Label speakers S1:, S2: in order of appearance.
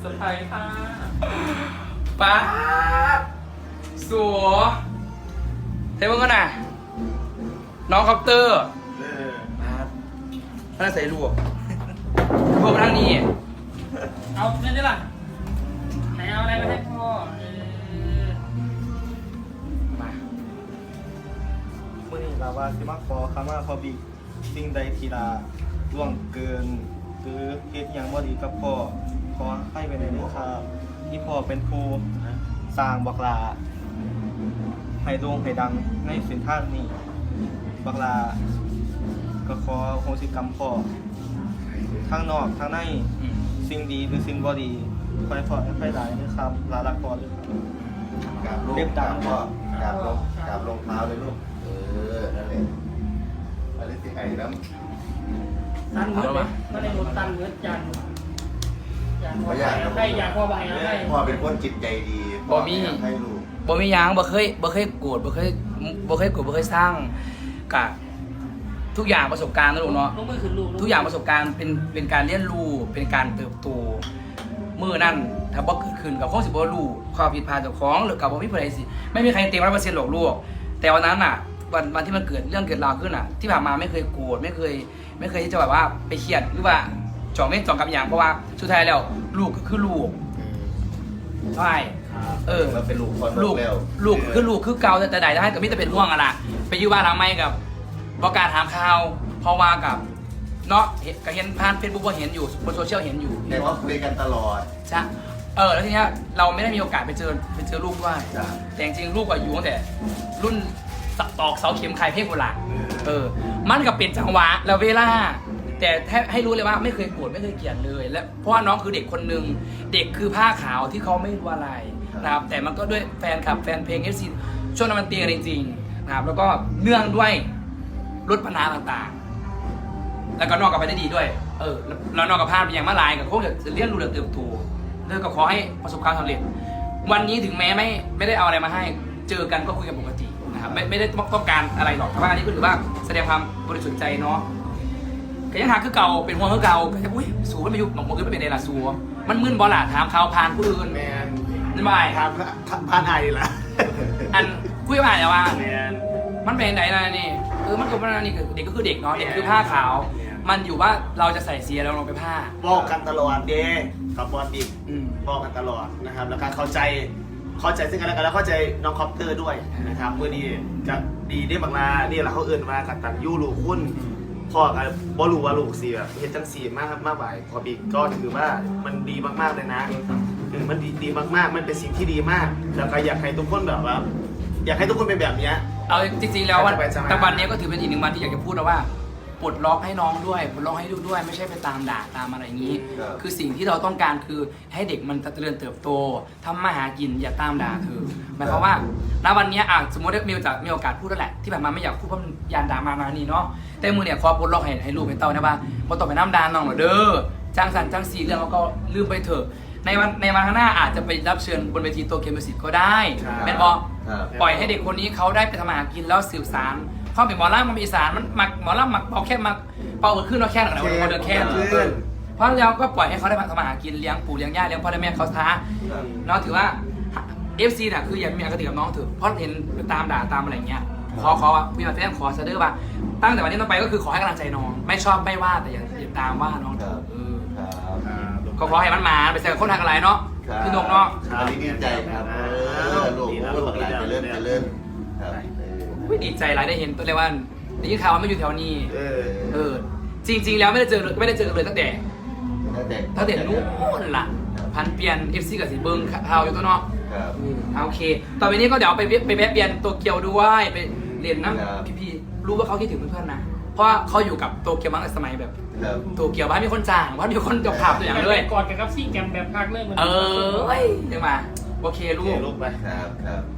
S1: สไพรส์ค่ะ
S2: ป๊าบสัวเทมึงก็น่ะน้องคอปเตอร์พนักใส่ลวกพวกมาทางนี้
S1: เอาเงินได้ล่ะไหนเอาอะไรมาให้พ่อ
S2: มา
S3: มื่อนี้ลาว่าสิมาขอคำว่าพอบีสิ่งใดทีลาล่วงเกิน หรือเฮ็ดหยังบ่ดีกับพ่อขอให้ไปในเรื่องครับที่พ่อเป็นผู้สร้างบักลาให้โด่งให้ดังในเส้นทางนี้บักลาก็ขอโหสิกรรมพ่อทั้งนอกทั้งใน
S2: อืม
S3: สิ่งดีหรือสิ่งบ่ดีคอยพอให้หลายนะครับลาลักพ่อด้วยครับ
S4: กราบลูก
S3: เรียบ
S4: ก
S3: ตา
S4: ราม บพ่อกราบลงกราบลงเท้าเลยลูกนั่นแหละอะไรที่ไอ้น้ำ
S1: ตันเงินก็ได้โดนตันเงินจันให้อยากพ่อใบให้
S4: พ่อเป็นคนจิตใจดีให้ลูก
S2: บ่มีหยังบ่เคยโกรธบ่เคยโกรธบ่เคยสร้างกะทุกอย่างประสบการณ์นะลูกเนาะ
S1: ลูกมือขึ้นลูก
S2: ทุกอย่างประสบการณ์เป็นการเรียนรู้เป็นการเติบโตมื้อนั้นถ้าบ่เกิดขึ้นกับคงสิบ่รู้ความผิดพลาดเจ้าของหรือกับบ่มีผู้ใดสิไม่มีใครเต็ม 100% หรอกลูกแต่วันนั้นน่ะวันที่มันเกิดเรื่องเกิดราวขึ้นน่ะที่ผ่านมาไม่เคยโกรธไม่เคยที่จะแบบว่าไปเครียดหรือว่าจ่องกับอย่างเพราะว่าสุดท้ายแล้วลูกก็คือลูกใช่
S4: เราเป็นลูกคนแล้ว
S2: ลูกคือเก่าแต่ใดให้กับมิตรเป็นห่วงอะล่ะไปอยู่บ้านหลังใหม่กับบอกการถามข่าวเพราะว่ากับเนาะก็เห็นผ่านเฟซบุ๊กก็เห็นอยู่บนโซเชียลเห็นอยู่
S4: แต่ว่าคุยกันตลอด
S2: ใช่แล้วทีเนี้ยเราไม่ได้มีโอกาสไปเจอลูกด้วย
S4: จ้ะ
S2: แต่จริงๆลูกก็อยู่ตั้งแต่รุ่นตอกเสาเข็มไข่เพ่งโบราณมันก็เป็นจังหวะแล้วเวลาแต่ให้รู้เลยว่าไม่เคยโกรธไม่เคยเกลียดเลยและเพราะว่าน้องคือเด็กคนหนึ่งเด็กคือผ้าขาวที่เขาไม่รู้อะไรนะครับแต่มันก็ด้วยแฟนคลับแฟนเพลงเอฟซีช่วงนั้นมันตีกันจริงๆนะครับแล้วก็เนื่องด้วยลดปัญหาต่างๆ แล้วก็นอกกับไปได้ดีด้วยแล้วนอกกับพลาดไปอย่างมาลายกับโค้งจะเลี้ยงดูเรื่องเติบโตแล้วก็ขอให้ประสบความสำเร็จวันนี้ถึงแม้ไม่ได้เอาอะไรมาให้เจอกันก็คุยกันปกตินะครับไม่ได้ต้องการอะไรหรอกแต่ว่าอันนี้ก็ถือว่าแสดงความบริสุทธิ์ใจเนาะก็ยังหาคือเก่าเป็นห่วงคือเก่าก็จะอุ้ยสูมันไปยุบหนองมันขึ้นไปเป็นเดล่ะสูมันมึนบอลล่ะถามเขาผ่านผู้อื่น
S4: แมน
S2: นั่นไม่
S4: พานไอ้ละ
S2: อันคุยมาแต่ว่า
S4: แมน
S2: มันเป็นไหนนะนี่มันก็มันนี่เด็กก็คือเด็กเนาะเด็กคือผ้าขาวมันอยู่ว่าเราจะใส่เสียแล้วลงไปผ้า
S5: บอกกันตลอดเด้กับบอลบิ๊ก
S2: อืม
S5: บอกกันตลอดนะครับแล้วก็เข้าใจซึ่งกันและกันแล้วเข้าใจน้องคอปเตอร์ด้วยนะครับเมื่อนี้จะดีได้บางลานี่แหละเขาเอื่นมากัตันยูลูกคุณพ่อกับบอลูว่าลูกเสียเห็นจังสีมากครับมากไหวพอบิ๊กก็ถือว่ามันดีมากๆเลยนะมันดีมากๆมันเป็นสิ่งที่ดีมาก แล้วก็อยากให้ทุกคนแบบว่า อยากให้ทุกคนเป็นแบบเนี้ย
S2: เอาจริงๆแล้ววัน
S5: สบายๆ
S2: แต่วันนี้ก็ถือเป็นอีกหนึ่งวันที่อยากจะพูดนะว่าปลดล็อกให้น้องด้วยปลดล็อกให้ลูกด้วยไม่ใช่ไปตามด่าตามอะไรอย่างนี้ คือสิ่งที่เราต้องการคือให้เด็กมันเจริญเติบโตทำมาหากินอย่าตามด่าคือหมายความว่าณวันนี้สมมติมีโอกาสพูดแล้วแหละที่ผ่านมาไม่อยากพูดเพราะมันยานด่ามานี่เนาะแต่มือเนี่ยขอปลดล็อกให้ลูกให้เต้านะว่าพอต่อไปน้ำดานน้องหน่อยเด้อจ้างสั่นจ้างสีเรื่องแล้วก็ลืมไปเถอะในวันข้างหน้าอาจจะไปรับเชิญบนเวทีโตเกียวมิวสิกก็ได้แม่นบอ ปล่อยให้เด็กคนนี้เขาได้ไปทำมาหากินแล้วสืบสารความเป็นหมอลำมันมีสารมันหมักหมอลำหมักเป่าแค่หมักเป่าขึ้นเราแค่หนักๆเราเดินแค่เพราะแล้วก็ปล่อยให้เขาได้ทำมาหากินเลี้ยงปู่เลี้ยงย่าเลี้ยงพ่อเลี้ยงแม่เขาท้าเนาะถือว่า FC น่ะคืออย่ามีอคติกับน้องเถอะเพราะเห็นตามด่าตามอะไรเงี้ยขอพี่มาแจ้งขอเสนอว่าตั้งแต่วันนี้ต่อไปก็คือขอให้กำลังใจน้องไม่ชอบไม่ว่าแต่อย่าตามว่าน้องเถอะก็ขอให้มันมาไปเจอคนทางอะไรเนาะพี่นงเนาะ
S4: อันนี้ดีใจครับลูกลูกหลานจะเริ่มครับ
S2: ดีใจหลายได้เห็นตัวเลยว่าได้ยินข่าวว่าไม่อยู่แถวนี้จริงๆแล้วไม่ได้เจอกันเลยตั้งแต่นู้นล่ะพันเปลี่ยน FC กับสีเบิ้งข่าวอยู่ตัวเนาะโอเคต่อไปนี้ก็เดี๋ยวไปแวะเปลี่ยนโตเกียวด้วยไปเรียนน้ำพี่รู้ว่าเขาคิดถึงเพื่อนๆนะเพราะเขาอยู่กับโตเกียวมาตั้งแต่สมัยแบบโตเกียวบ้านมีคนจ้างบ้านมีคนจบข่าวตัวอย่างเลย
S1: ก่อนกับซี่แกมแบบพักเลยมัน
S2: เดี๋ยวมาโอเคลูก
S5: ลูกไป
S4: ครับ